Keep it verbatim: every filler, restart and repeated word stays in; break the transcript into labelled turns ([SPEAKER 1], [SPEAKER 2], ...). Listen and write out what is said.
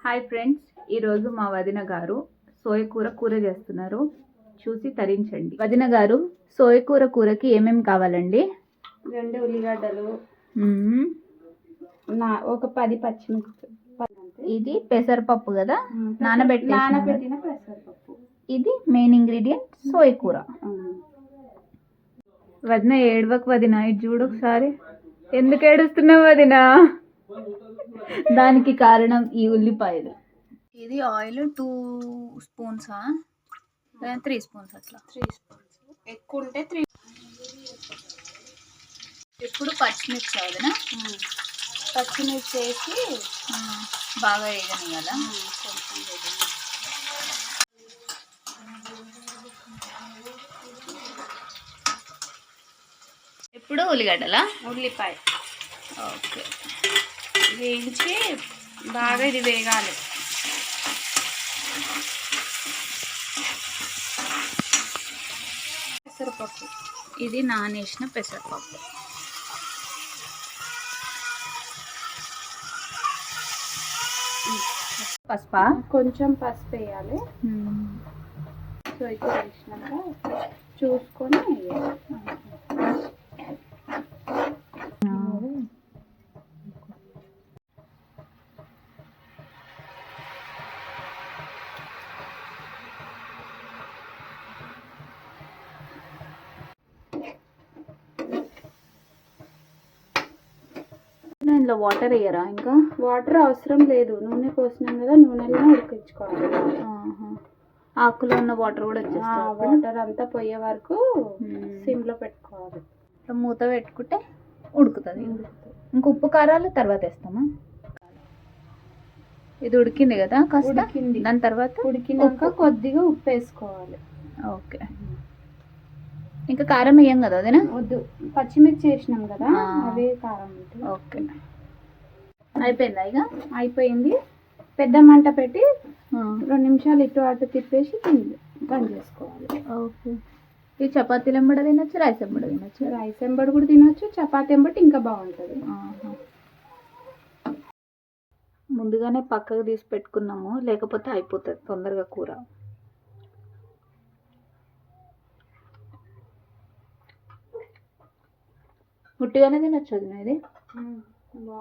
[SPEAKER 1] Hi friends, ఈరోజు మా వదిన గారు సోయ కూర కూర చేస్తున్నారు. చూసి తరించండి. వదిన గారు, సోయ కూర కూరకి ఏమేమి కావాలండి?
[SPEAKER 2] రెండు ఉల్లిగడ్డలు,
[SPEAKER 1] మ్మ్.
[SPEAKER 2] నా ఒక పది పచ్చిమిర్చి.
[SPEAKER 1] ఇది పెసరపప్పు కదా, నానబెట్టి
[SPEAKER 2] నానబెట్టిన పెసరపప్పు.
[SPEAKER 1] ఇది మెయిన్ ఇంగ్రీడియంట్ సోయ కూర. వదిన ఏడవకు వదిన, ఇది చూడు ఒకసారి. ఎందుకు ఏడుస్తున్నావు వదిన? దానికి కారణం ఈ ఉల్లిపాయలు. ఇది ఆయిల్ టూ స్పూన్సా త్రీ స్పూన్స్ అట్లా
[SPEAKER 2] త్రీ స్పూన్స్ ఎక్కువ ఉంటే త్రీ.
[SPEAKER 1] ఇప్పుడు పచ్చిమిర్చి వదిన,
[SPEAKER 2] పచ్చిమిర్చి వేసి
[SPEAKER 1] బాగా వేయగలను కదా.
[SPEAKER 2] కొంచెం
[SPEAKER 1] ఇప్పుడు ఉల్లిగడ్డలా?
[SPEAKER 2] ఉల్లిపాయ
[SPEAKER 1] ఓకే,
[SPEAKER 2] వేయించి బాగా ఇది వేగాలి. పెసరపప్పు,
[SPEAKER 1] ఇది నానేసిన పెసరపప్పు. పసుపా?
[SPEAKER 2] కొంచెం పసుపు వేయాలి. సో ఇక్కడ వేసినాక చూసుకొని వేయాలి.
[SPEAKER 1] ఇందులో వాటర్ వేయరా? ఇంకా
[SPEAKER 2] వాటర్ అవసరం లేదు, నూనె పోసినాం కదా, నూనెలో ఉడికించుకోవాలి.
[SPEAKER 1] ఆకులో ఉన్న వాటర్ కూడా వచ్చేస్తుంది.
[SPEAKER 2] వాటర్ అంతా పోయే వరకు సిమ్ లో పెట్టుకోవాలి.
[SPEAKER 1] మూత పెట్టుకుంటే ఉడుకుతుంది. ఇంకా ఉప్పు కారాలు తర్వాత వేస్తామా? ఇది ఉడికింది కదా, కాస్త
[SPEAKER 2] ఉడికింది.
[SPEAKER 1] దాని తర్వాత
[SPEAKER 2] ఉడికినాక కొద్దిగా ఉప్పు వేసుకోవాలి.
[SPEAKER 1] ఓకే, ఇంకా కారం వేయం కదా అదేనా?
[SPEAKER 2] వద్దు, పచ్చిమిర్చి వేసినాం కదా, అవే కారం ఉంటుంది.
[SPEAKER 1] ఓకే, అయిపోయిందా? ఇక
[SPEAKER 2] అయిపోయింది. పెద్ద మంట పెట్టి రెండు నిమిషాలు ఇటు అటు తిప్పేసి బంద్ చేసుకోవాలి.
[SPEAKER 1] ఓకే, ఈ చపాతీలు ఎంబడ తినొచ్చు, రైస్ ఎంబడ తినొచ్చు.
[SPEAKER 2] రైస్ ఎంబడి కూడా తినొచ్చు, చపాతీ ఎంబటి ఇంకా బాగుంటుంది.
[SPEAKER 1] ముందుగానే పక్కకు తీసి పెట్టుకున్నాము, లేకపోతే అయిపోతుంది తొందరగా కూర. ఉట్టిగానే తినొచ్చు అది ఇది.